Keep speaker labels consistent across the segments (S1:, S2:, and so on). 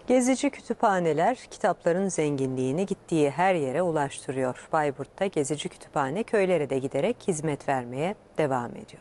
S1: Gezici kütüphaneler kitapların zenginliğini gittiği her yere ulaştırıyor. Bayburt'ta gezici kütüphane köylere de giderek hizmet vermeye devam ediyor.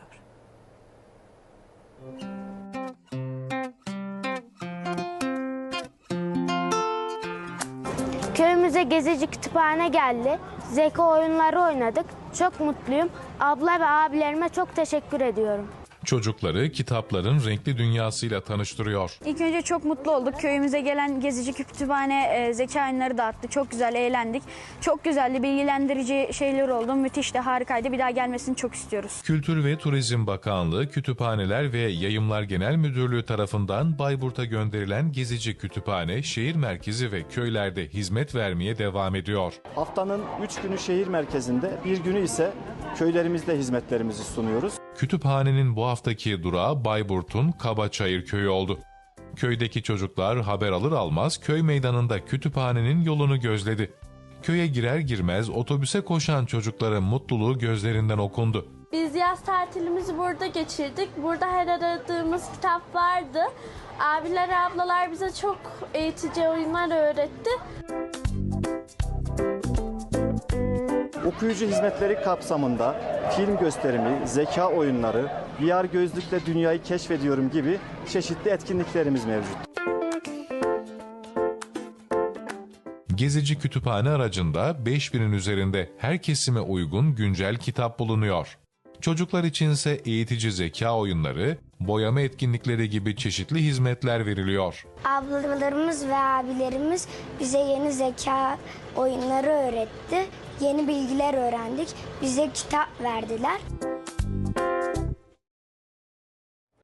S2: Köyümüze gezici kütüphane geldi. Zeka oyunları oynadık. Çok mutluyum. Abla ve abilerime çok teşekkür ediyorum.
S3: Çocukları kitapların renkli dünyasıyla tanıştırıyor.
S4: İlk önce çok mutlu olduk. Köyümüze gelen gezici kütüphane zeka oyunları dağıttı. Çok güzel eğlendik. Çok güzeldi, bilgilendirici şeyler oldu. Müthişti, harikaydı. Bir daha gelmesini çok istiyoruz.
S3: Kültür ve Turizm Bakanlığı, Kütüphaneler ve Yayımlar Genel Müdürlüğü tarafından Bayburt'a gönderilen gezici kütüphane, şehir merkezi ve köylerde hizmet vermeye devam ediyor.
S5: Haftanın 3 günü şehir merkezinde, bir günü ise köylerimizde hizmetlerimizi sunuyoruz.
S3: Kütüphanenin bu haftaki durağı Bayburt'un Kabaçayır köyü oldu. Köydeki çocuklar haber alır almaz köy meydanında kütüphanenin yolunu gözledi. Köye girer girmez otobüse koşan çocukların mutluluğu gözlerinden okundu.
S6: Biz yaz tatilimizi burada geçirdik. Burada her aradığımız kitap vardı. Abiler, ablalar bize çok eğitici oyunlar öğretti.
S5: Okuyucu hizmetleri kapsamında film gösterimi, zeka oyunları, VR gözlükle dünyayı keşfediyorum gibi çeşitli etkinliklerimiz mevcut.
S3: Gezici kütüphane aracında 5000'in üzerinde her kesime uygun güncel kitap bulunuyor. Çocuklar içinse eğitici zeka oyunları, boyama etkinlikleri gibi çeşitli hizmetler veriliyor.
S2: Ablalarımız ve abilerimiz bize yeni zeka oyunları öğretti. Yeni bilgiler öğrendik. Bize kitap verdiler.